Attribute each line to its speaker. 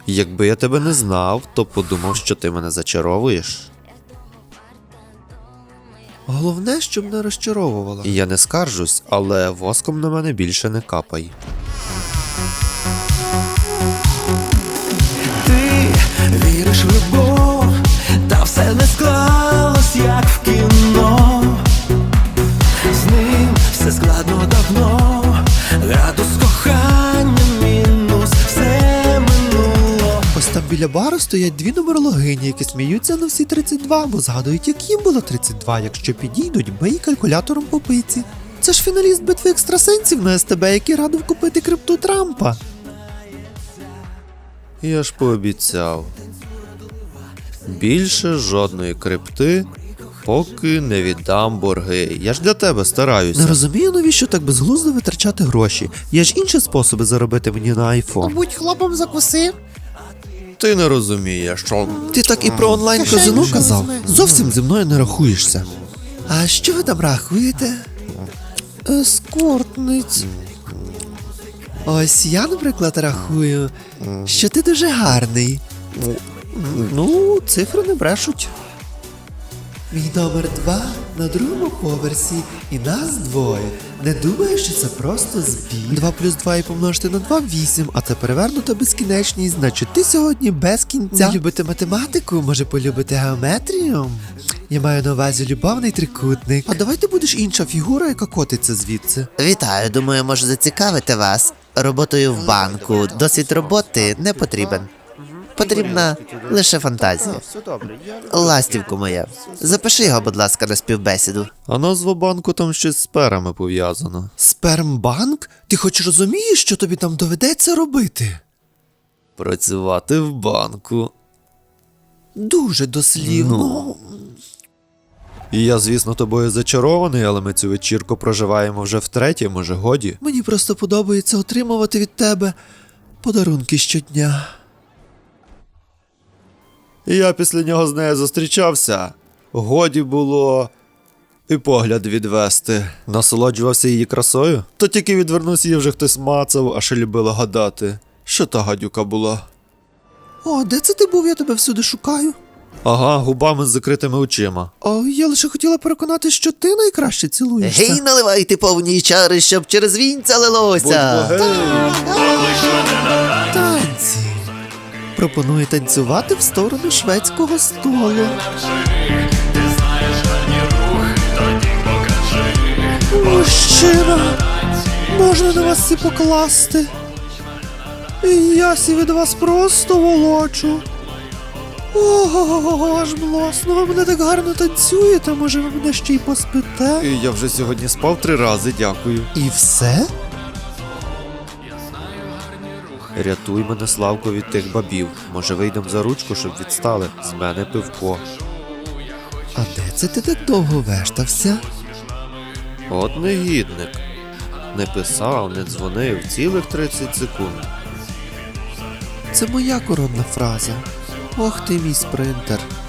Speaker 1: Якби я тебе не знав, то подумав, що ти мене зачаровуєш. Головне, щоб не розчаровувала. Я не скаржусь, але воском на мене більше не капай.
Speaker 2: Ти віриш в любов, та все не склалось, як в кіно. З ним все складно давно, градус кохання мінус, все минуло.
Speaker 1: Ось там біля бару стоять дві нумерологині, які сміються на всі 32, бо згадують, як їм було 32, якщо підійдуть, бий калькулятором по пиці. Це ж фіналіст битви екстрасенсів на СТБ, який радив купити крипту Трампа. Я ж пообіцяв. Більше жодної крипти, поки не віддам борги. Я ж для тебе стараюся. Не розумію, навіщо так безглуздо витрачати гроші. Є ж інші способи заробити мені на айфон.
Speaker 3: Будь хлопом закуси.
Speaker 1: Ти не розумієш, що... Ти так і про онлайн-казино
Speaker 3: Кишеню
Speaker 1: казав?
Speaker 3: візьми.
Speaker 1: Зовсім зі мною не рахуєшся. А що ви там рахуєте? Ескортниць. Ось я, наприклад, рахую, що ти дуже гарний. Ну, цифри не брешуть. Мій номер 2 на другому поверсі, і нас двоє. Не думаю, що це просто збіг. 2 плюс 2 і помножити на 2 – 8, а це перевернута безкінечність, значить ти сьогодні без кінця. Не любите математику, може полюбити геометрію? Я маю на увазі любовний трикутник. А давай ти будеш інша фігура, яка котиться звідси.
Speaker 4: Вітаю, думаю, може зацікавити вас. Роботою в банку. Досвід роботи не потрібен. Потрібна лише фантазія. Ластівку моя. Запиши його, будь ласка, на співбесіду.
Speaker 1: А назва банку там щось з сперами пов'язано. Спермбанк? Ти хоч розумієш, що тобі там доведеться робити? Працювати в банку. Дуже дослівно. І я, звісно, тобою зачарований, але ми цю вечірку проживаємо вже втретє, може годі? Мені просто подобається отримувати від тебе подарунки щодня. Я після нього з нею зустрічався. Годі було і погляд відвести. Насолоджувався її красою? То тільки відвернувся, її вже хтось мацав, а ще любила гадати, що та гадюка була. О, де це ти був? Я тебе всюди шукаю. Ага, губами з закритими очима. О, я лише хотіла переконати, що ти найкраще цілуєшся.
Speaker 4: Гей, наливайте повні чари, щоб через вінця лилося.
Speaker 1: Танці. Пропоную танцювати в сторону шведського столу. Мужчина, можна на вас всі покласти? Я сі від вас просто волочу. Ого, аж млосно, ви мене так гарно танцюєте, може ви мене ще й поспите? Я вже сьогодні спав 3 рази, дякую. І все? Рятуй мене, Славко, від тих бабів. Може вийдемо за ручку, щоб відстали. З мене пивко. А де це ти так довго вештався? От негідник. Не писав, не дзвонив цілих 30 секунд. Це моя коронна фраза. Ох ти, мій спринтер.